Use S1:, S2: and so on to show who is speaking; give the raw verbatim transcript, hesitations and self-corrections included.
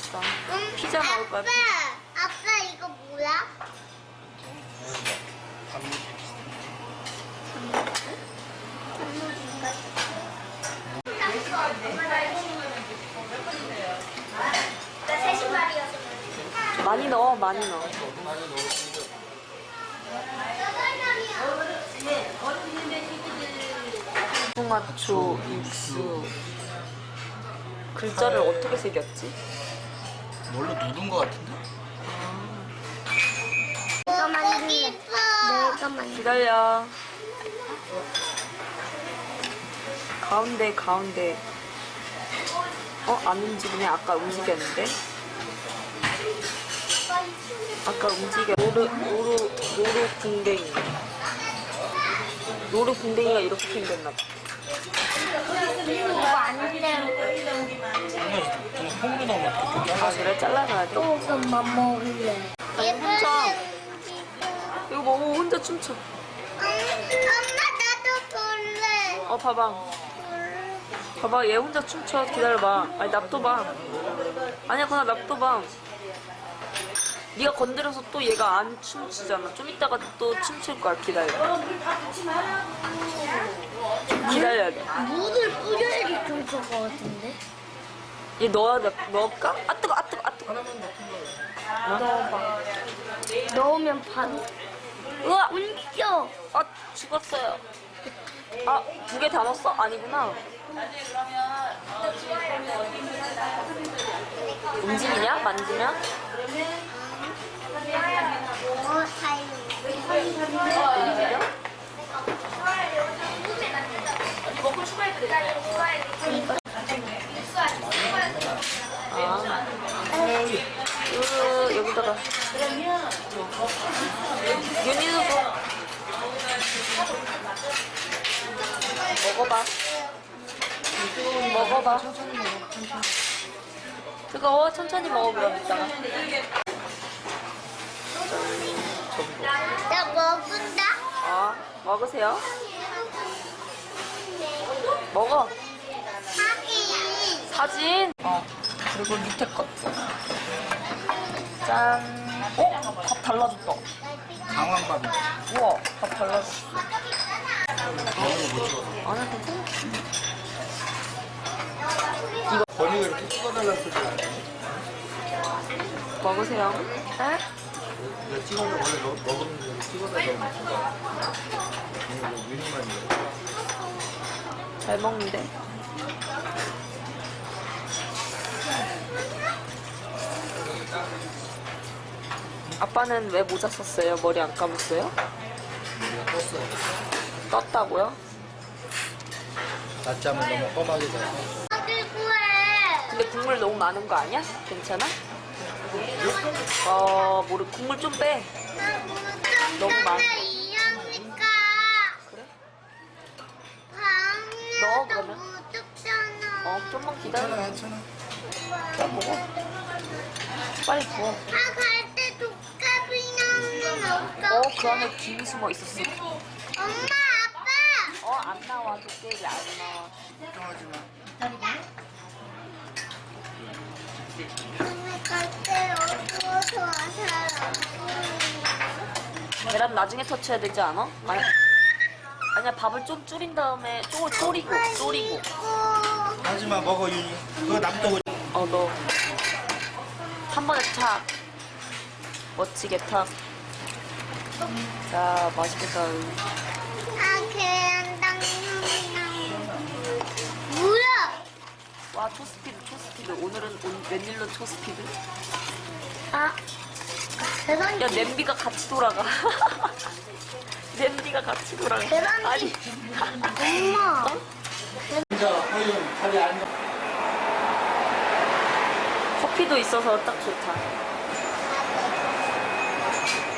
S1: 맛있다.
S2: 응?
S1: 피자 먹을 거야.
S2: 아빠, 아빠 이거 뭐야? 나 새 신발이어서.
S1: 많이 넣어, 많이 넣어. 통화초 육수. 글자를 어떻게 새겼지?
S3: 뭘로 누른 거 같은데?
S2: 내가 만들래. 내가 만들래.
S1: 기다려. 가운데, 가운데. 어? 안 움직이네. 아까 움직였는데. 아까 움직여. 로르, 로르, 로르 궁뎅이. 로르 궁뎅이가 이렇게 생겼나 봐.
S2: 이거 안 돼.
S3: 좀 통으로 넣으면
S1: 아, 그래? 잘라놔야 돼?
S2: 조금만 먹을래.
S1: 혼자. 이거 먹어. 혼자 춤춰.
S2: 엄마 나도 볼래.
S1: 어, 봐봐. 봐봐. 얘 혼자 춤춰. 기다려봐. 아니, 납둬봐. 아니야, 그냥 납둬봐. 네가 건드려서 또 얘가 안 춤추잖아. 좀 이따가 또 춤출 거야. 기다려. 좀 기다려야 돼.
S2: 물을 뿌려야지 춤출 것 같은데.
S1: 얘 넣어야 돼. 넣을까? 아, 뜨거, 아, 뜨거, 아, 뜨거.
S2: 넣어봐. 넣으면 반.
S1: 우와!
S2: 움직여.
S1: 아, 죽었어요. 아, 두 개 다 넣었어? 아니구나. 움직이냐? 만지면?
S2: 어, 다행이야.
S1: 움직여? 아. 으, 여기다가. 윤희도 줘. 먹어봐. 먹어봐. 뜨거워. 천천히 먹어, 그럼 이따가.
S2: 나 먹은다.
S1: 아, 먹으세요. 먹어.
S2: 하긴.
S1: 사진. 어. 그리고 밑에 것도. 짠. 어? 밥 달라졌다.
S3: 강황밥이.
S1: 우와, 밥 달라졌어. 안 해도 돼?
S3: 건이가 이렇게 찍어달라는 소리 안 해.
S1: 먹으세요. 네?
S3: 내가 찍어서 원래 너, 먹으면 이렇게 찍어달라고 이거 유리만 이거.
S1: 잘 먹는데. 아빠는 왜 모자 썼어요? 머리 안 감았어요?
S3: 우리가 떴어.
S1: 떴다고요?
S3: 낮잠을 너무 험하게 자서.
S2: 어딜 구해.
S1: 근데 국물 너무 많은 거 아니야? 괜찮아? 어, 모르 국물 좀 빼. 너무 많아.
S2: 이형이니까.
S1: 그래?
S2: 방에도
S1: 넣어, 그러면.
S2: 묻었잖아.
S1: 어, 좀만 기다려.
S3: 괜찮아, 괜찮아.
S1: 자, 먹어. 빨리 부어.
S2: 아, 갈 때 독감이 나오면
S1: 어,
S2: 어떡해?
S1: 그 안에 김이 숨어 있었어.
S2: 엄마, 아빠.
S1: 어, 안 나와. 도깨비 안 나와.
S3: 걱정하지 마.
S2: 오늘 갈때 어두워서 잘안 보이네.
S1: 계란 나중에 터쳐야 되지 않아? 아니, 아니야, 밥을 좀 줄인 다음에 쪼, 졸이고, 졸이고.
S3: 하지 마, 먹어, 윤이. 그거 놔두고.
S1: 어, 너. 한 번에 탁. 멋지게 탁. 자, 맛있겠다.
S2: 아, 계란 당면이 나오네. 뭐야?
S1: 와, 초스피드, 초스피드. 오늘은 온, 웬일로 초스피드?
S2: 아, 계란.
S1: 야, 냄비가 같이 돌아가. 냄비가 같이 돌아가.
S2: 계란이-
S1: 아니.
S2: 엄마.
S3: 진짜, 허윤, 자리 앉아.
S1: 커피도 있어서 딱 좋다.